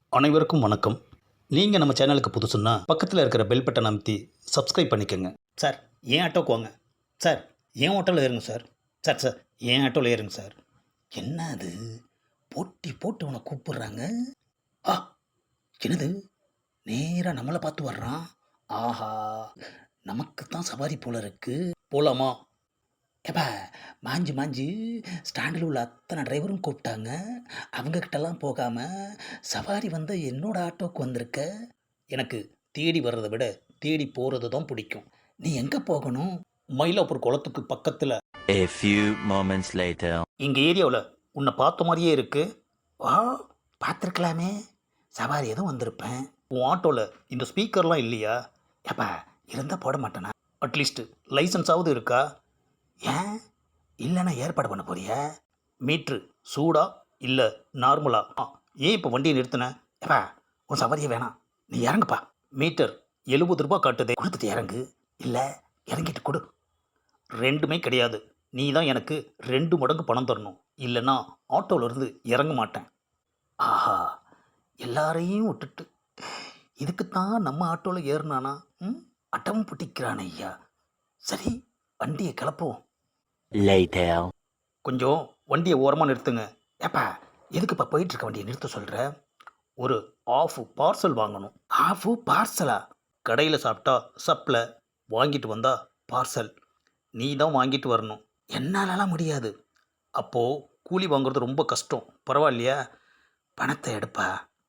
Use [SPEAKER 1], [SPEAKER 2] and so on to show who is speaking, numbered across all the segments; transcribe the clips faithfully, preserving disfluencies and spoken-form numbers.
[SPEAKER 1] அனைவருக்கும் வணக்கம். நீங்கள் நம்ம சேனலுக்கு புதுசுன்னா பக்கத்தில் இருக்கிற பெல் பட்டன் அமைத்தி சப்ஸ்கிரைப் பண்ணிக்கோங்க. சார் ஏன் ஆட்டோக்கு வாங்க. சார் ஏன் ஆட்டோவில் ஏறுங்க சார். சார் சார் ஏன் ஆட்டோவில் ஏறுங்க சார். என்ன அது போட்டி போட்டு உன்னை கூப்பிடுறாங்க. ஆ என்னது நேராக நம்மளை பார்த்து வர்றான். ஆஹா நமக்கு தான் சவாரி போல இருக்கு. போலாமா? ஏப்பா மாஞ்சு மாஞ்சு ஸ்டாண்டில் உள்ள அத்தனை டிரைவரும் கூப்பிட்டாங்க. அவங்கக்கிட்டலாம் போகாமல் சவாரி வந்த என்னோட ஆட்டோவுக்கு வந்திருக்க. எனக்கு தேடி வர்றதை விட தேடி போகிறது தான் பிடிக்கும். நீ எங்கே போகணும்? மயிலாப்பூர் குளத்துக்கு பக்கத்தில்.
[SPEAKER 2] A few moments later.
[SPEAKER 1] எங்கள் ஏரியாவில் உன்னை பார்த்த மாதிரியே இருக்கு. வா பார்த்துருக்கலாமே. சவாரி எதுவும் வந்திருப்பேன். உன் ஆட்டோவில் இந்த ஸ்பீக்கர்லாம் இல்லையா? ஏப்பா இருந்தால் போட மாட்டேனா? அட்லீஸ்ட் லைசன்ஸாவது இருக்கா? ஏன் இல்லைன்னா ஏற்பாடு பண்ண போறியா? மீட்ரு சூடா இல்லை நார்மலா? ஆ ஏன் இப்போ வண்டியை நிறுத்தின? ஏப்பா உன் சவாரியே வேணாம், நீ இறங்குப்பா. மீட்டர் எழுபது ரூபா காட்டுதே, கொடுத்துட்டு இறங்கு. இல்லை இறங்கிட்டு கொடு. ரெண்டுமே கிடையாது. நீ தான் எனக்கு ரெண்டு மடங்கு பணம் தரணும், இல்லைன்னா ஆட்டோவிலேருந்து இறங்க மாட்டேன். ஆஹா எல்லாரையும் விட்டுட்டு இதுக்குத்தான் நம்ம ஆட்டோவில் ஏறினானா? ம் அட்டமும் பிடிக்கிறான் ஐயா. சரி வண்டியை கிளப்புவோம்.
[SPEAKER 2] Later.
[SPEAKER 1] கொஞ்சம் வண்டியை ஓரமாக நிறுத்துங்க. ஏப்பா எதுக்குப்பா போயிட்டுருக்க வண்டியை நிறுத்த சொல்கிற? ஒரு ஆஃப் பார்சல் வாங்கணும். ஆஃபு பார்சலா? கடையில் சாப்பிட்டா சப்பில், வாங்கிட்டு வந்தா பார்சல். நீ தான் வாங்கிட்டு வரணும். என்னாலலாம் முடியாது. அப்போது கூலி வாங்குறது ரொம்ப கஷ்டம். பரவாயில்லையா? பணத்தை எடுப்பா.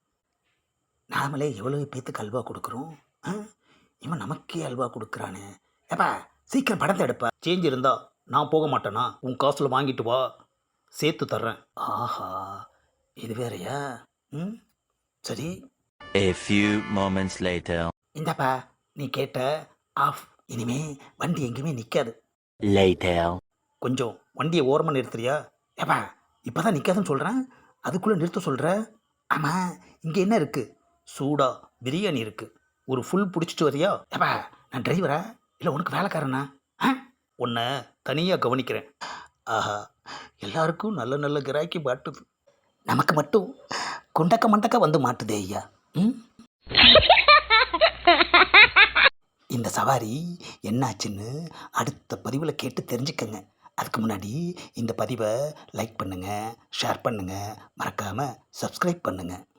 [SPEAKER 1] நாமளே எவ்வளோ பேத்துக்கு அல்வா கொடுக்குறோம். ஆ இவன் நமக்கே அல்வா கொடுக்குறானே. ஏப்பா சீக்கிரம் பணத்தை எடுப்பா. சேஞ்ச் இருந்தா நான் போக மாட்டேனா? உன் காசில் வாங்கிட்டு வா, சேர்த்து தர்றேன். ஆஹா இது வேறையா? ம் சரி.
[SPEAKER 2] A few moments later.
[SPEAKER 1] இந்தாப்பா நீ கேட்ட ஆஃப். இனிமே வண்டி எங்கேயுமே நிற்காது.
[SPEAKER 2] Later.
[SPEAKER 1] கொஞ்சம் வண்டியை ஓரமாக நிறுத்துறியா? ஏப்பா இப்போ தான் நிற்காதுன்னு சொல்கிறேன், அதுக்குள்ளே நிறுத்த சொல்கிற. ஆமாம் இங்கே என்ன இருக்குது? சூடா பிரியாணி இருக்குது. ஒரு ஃபுல் பிடிச்சிட்டு வரியா? ஏப்பா நான் டிரைவரா இல்லை உனக்கு வேலைக்காரனா? ஆ உன்னை தனியாக கவனிக்கிறேன். ஆஹா எல்லாருக்கும் நல்ல நல்ல கிராக்கி மாட்டுது, நமக்கு மட்டும் கொண்டக்க மண்டக்க வந்து மாட்டுதே ஐயா. ம் இந்த சவாரி என்னாச்சுன்னு அடுத்த பதிவில் கேட்டு தெரிஞ்சுக்கங்க. அதுக்கு முன்னாடி இந்த பதிவை லைக் பண்ணுங்கள், ஷேர் பண்ணுங்கள், மறக்காமல் சப்ஸ்கிரைப் பண்ணுங்கள்.